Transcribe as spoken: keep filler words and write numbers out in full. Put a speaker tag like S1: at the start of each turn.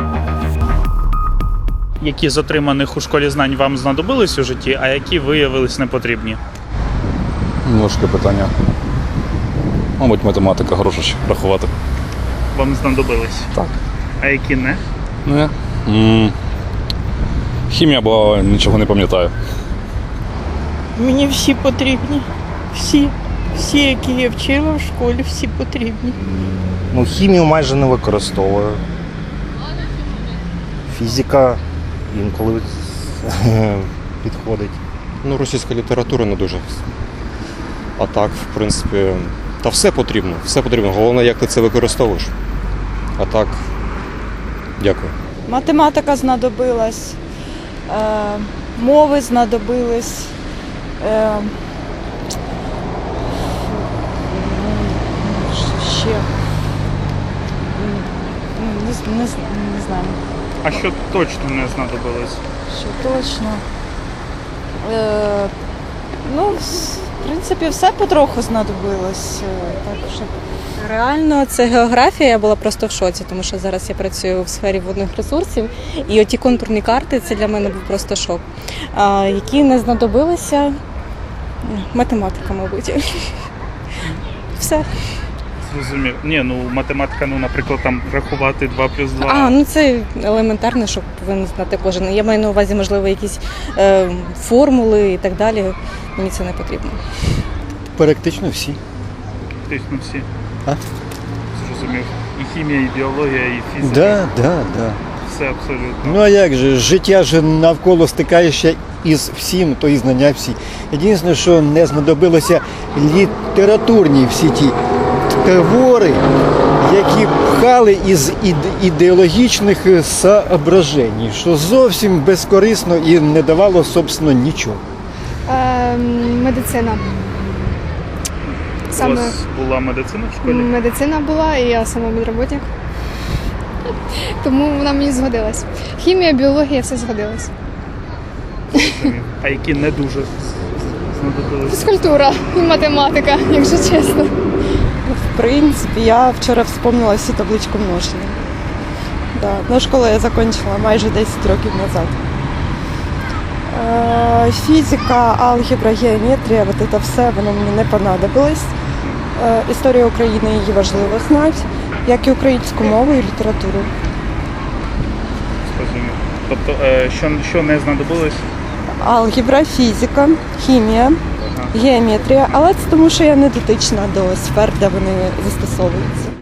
S1: Які з отриманих у школі знань вам знадобились у житті, а які виявились непотрібні?
S2: Важке питання. Мабуть, математика, гроші рахувати.
S1: Вам знадобились?
S2: Так.
S1: А які не?
S2: Не. М, Хімія, бо нічого не пам'ятаю.
S3: Мені всі потрібні. Всі. Всі, які я вчила в школі, всі потрібні.
S4: Ну, хімію майже не використовую. Фізика інколи підходить.
S5: Ну, російська література не дуже. А так, в принципі, та все потрібно, все потрібно. Головне, як ти це використовуєш. А так, дякую.
S6: Математика знадобилась, е, мови знадобились, е, ще не, не, не знаю,
S1: А що точно не знадобилось?
S6: що точно. Е, ну, в принципі, все потроху знадобилось. е, Так, щоб
S7: Реально, це географія, я була просто в шоці, тому що зараз я працюю в сфері водних ресурсів, і оті контурні карти, це для мене був просто шок. А, які не знадобилися, математика, мабуть. Все.
S1: Зрозумів. Ні, ну математика, ну, наприклад, там рахувати два плюс два.
S7: А, ну це елементарно, що повинен знати кожен. Я маю на увазі, можливо, якісь е, формули і так далі. Мені це не потрібно.
S8: Практично всі.
S1: Фактично всі.
S8: А?
S1: Зрозумів. І хімія, і біологія, і фізика.
S8: Да, да, да.
S1: Все абсолютно.
S8: Ну а як же, життя ж навколо стикаєшся із всім, то і знання всі. Єдине, що не знадобилося літературні всі ті твори, які пхали із іде- ідеологічних соображень, що зовсім безкорисно і не давало, собственно, нічого.
S9: Ем, медицина.
S1: У
S9: Саме
S1: вас була медицина в школі?
S9: медицина була, і я сама медработник. Тому вона мені згодилась. Хімія, біологія, все згодилось.
S1: Зрозумів. А які не дуже знадобились?
S9: Фізкультура і математика, якщо чесно.
S6: В принципі, я вчора вспомнила всю табличку множення. Да. Ну, школу я закінчила майже десять років назад. Е, Фізика, алгебра, геометрія, от це все, воно мені не понадобилось. Е, Історія України, її важливо знати, як і українську мову і літературу.
S1: Зрозумів. Тобто, е, що, що не знадобилось?
S6: Алгебра, фізика, хімія,
S1: Ага.
S6: геометрія, але це тому, що я не дотична до сфер, де вони застосовуються.